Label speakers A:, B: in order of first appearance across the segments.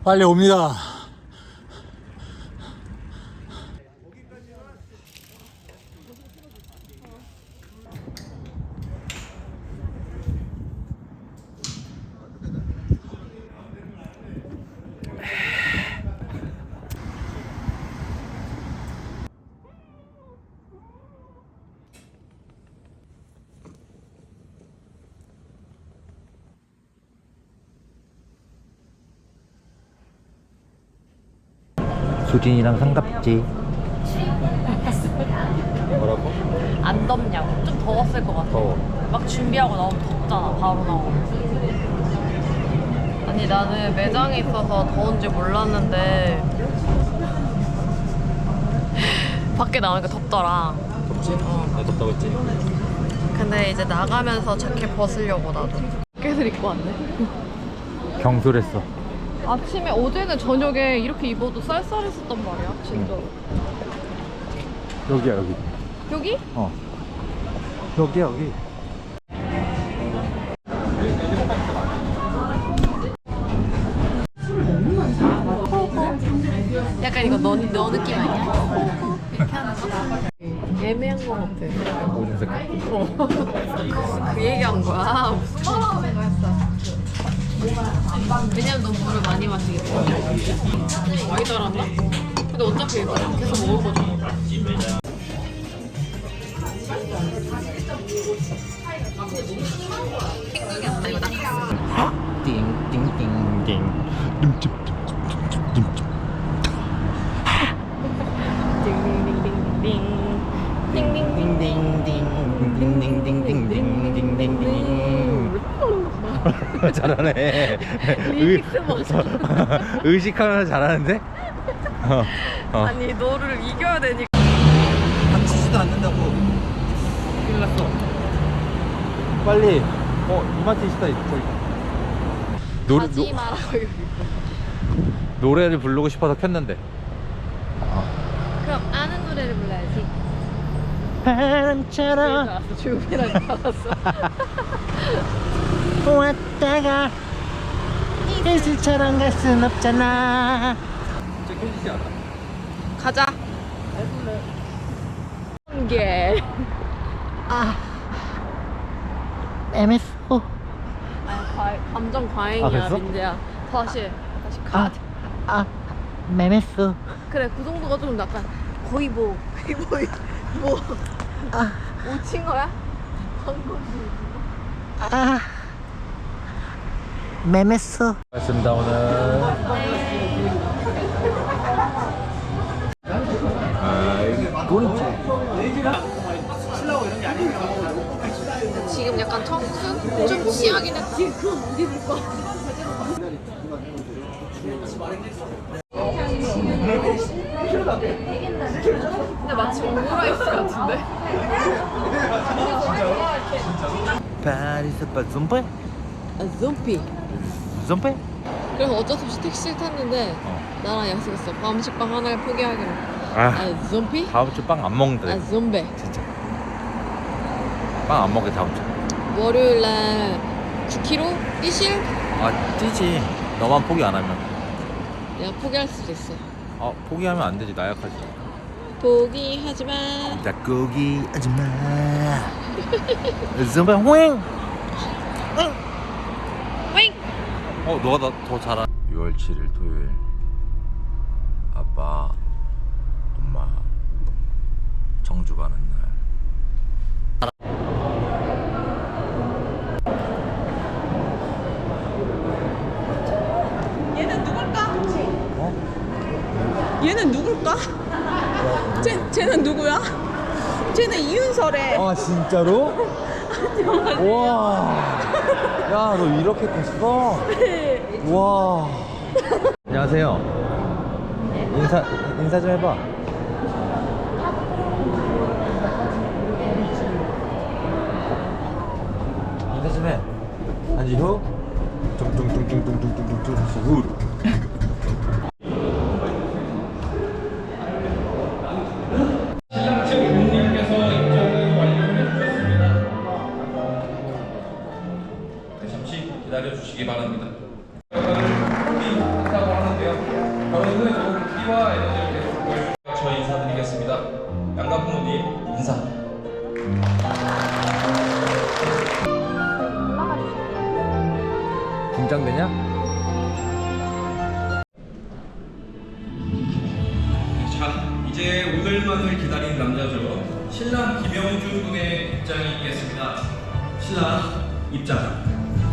A: 빨리 옵니다.
B: 수진이랑 상갑지.
A: 뭐라고?
C: 안 덥냐고. 좀 더웠을 것 같아.
A: 더워.
C: 막 준비하고 나오면 덥잖아. 바로 나오면. 아니 나는 매장에 있어서 더운 줄 몰랐는데 밖에 나오니까 덥더라.
A: 덥지? 네, 덥다고 했지.
C: 근데 이제 나가면서 자켓 벗으려고 나도 자켓을 입고 왔네.
B: 경솔했어.
C: 아침에 어제는 저녁에 이렇게 입어도 쌀쌀했었단 말이야. 진짜로.
B: 여기야 여기.
C: 여기?
B: 어. 여기야 여기.
C: 약간 이거 너 느낌 아니야? 이렇게 하는 거? 애매한 거 같아.
B: 오줌 색깔.
C: 그 얘기한 거야. 무슨 말을 했어? 왜냐면 너 물을 많이 마시기 때문에. 많이 달았나? 근데 어차피 이거 계속 먹을 거잖아. 생각이 안 나. 이거 나
B: 띵띵띵띵. 잘하네.
C: 리믹스 맞아.
B: 의식하면서 잘하는데?
C: 아니 너를 이겨야 되니까.
A: 다치지도 않는다고. 큰일 났어.
B: 빨리. 이마트 있다 저기.
C: 가지 말라고.
B: 노래를 부르고 싶어서 켰는데.
C: 그럼 아는 노래를 불러야지.
B: 바람처럼
C: 알았어. 조용히라니 알았어.
B: 왔다가 이슬처럼 갈 순 없잖아.
A: 진짜 켜지지 않아.
C: 가자. 한 개.
B: MSO.
C: 감정
B: 아,
C: 과잉이야
B: 그랬어?
C: 민재야. 다시 가.
B: MSO.
C: 그래 그 정도가 좀 약간 거의 뭐 오징어야? 방금
B: 메메스. 고맙습니다 오늘.
C: 지금 약간 청순? 좀 취하긴 했지. 그럼 어디 불 거야? 근데 마치 오므라이스 같은데?
B: 파리스 빠좀페?
C: 아, 좀비.
B: 좀페?
C: 그래서 어쩔 수 없이 택시를 탔는데 나랑 약속했어. 밤식빵 하나를 포기하기로.
B: 아,
C: 좀비?
B: 다음 주 빵 안 먹는다.
C: 좀비.
B: 진짜. 빵 안 먹게 다음 주.
C: 월요일날 9kg 뛰실?
B: 뛰지. 너만 포기 안 하면.
C: 내가 포기할 수도 있어.
B: 포기하면 안 되지. 나약하지.
C: 포기하지 마.
B: 닭고기 아줌마. 좀페 호잉.
C: 윙!
B: 너가 더 잘하. 6월 7일 토요일. 아빠, 엄마 청주 가는 날.
D: 얘는 누굴까? 얘는 누굴까? 쟤는 누구야? 쟤는 이윤설의.
B: 진짜로? 와. 야, 너 이렇게 컸어? 와. 안녕하세요. 인사 좀 해봐. 인사 좀 해. 한지후. 뚱뚱뚱뚱뚱뚱뚱뚱뚱 후.
E: 잠시 기다려 주시기 바랍니다. 도움이 된다고 하는데요. 결혼 후에 좋은 기와 에너지를 계속 보여주시고 저희 인사드리겠습니다. 양가 부모님 인사.
B: 긴장되냐?
E: 자, 이제 오늘만을 기다린 남자죠. 신랑 김영준 군의 입장이 있겠습니다. 신랑 입장.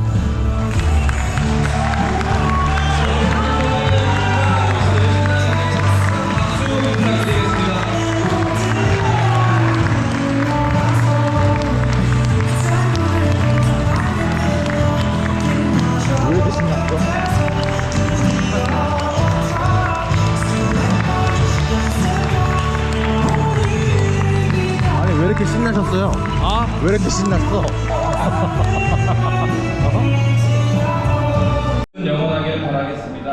E: 박수 부탁드리겠습니다.
B: 왜 이렇게 신났어? 아니 왜 이렇게 신나셨어요? 아? 왜 이렇게 신났어?
E: 영원하길 바라겠습니다.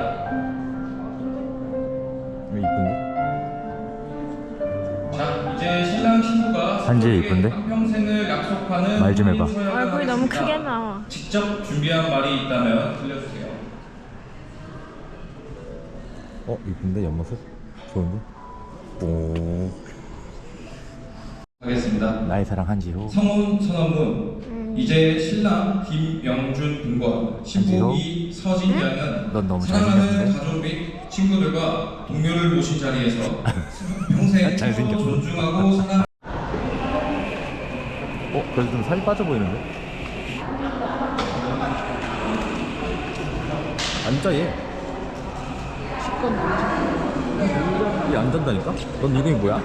B: 왜 이쁜데?
E: 자, 이제 신랑 신부가
B: 반지
E: 서로에게
B: 이쁜데?
E: 한평생을 약속하는
B: 말좀 해봐.
E: 얼굴이 너무 크게 나와. 직접 준비한 말이 있다면 들려주세요.
B: 이쁜데 옆모습? 좋은데? 오.
E: 하겠습니다.
B: 나의 사랑 한지호.
E: 성혼 선언문. 이제 신랑 김영준 군과 신부이 서진 양은
B: 넌 너무
E: 사랑하는
B: 잘생겼는데?
E: 가족 및 친구들과 동료를 모신 자리에서 평생 서로
B: 잘생겼어.
E: 존중하고 사랑.
B: 그래도 좀 살이 빠져 보이는데? 앉아 얘. 얘 안 잔다니까? 넌 이름이 뭐야?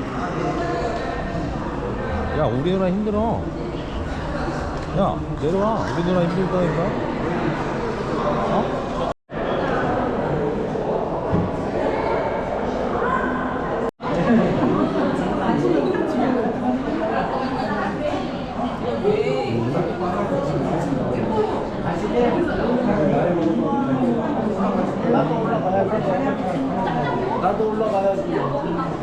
B: 야 우리 누나 힘들어. 야 내려와. 우리 누나 힘들다니까. 어? 나도 올라가야지.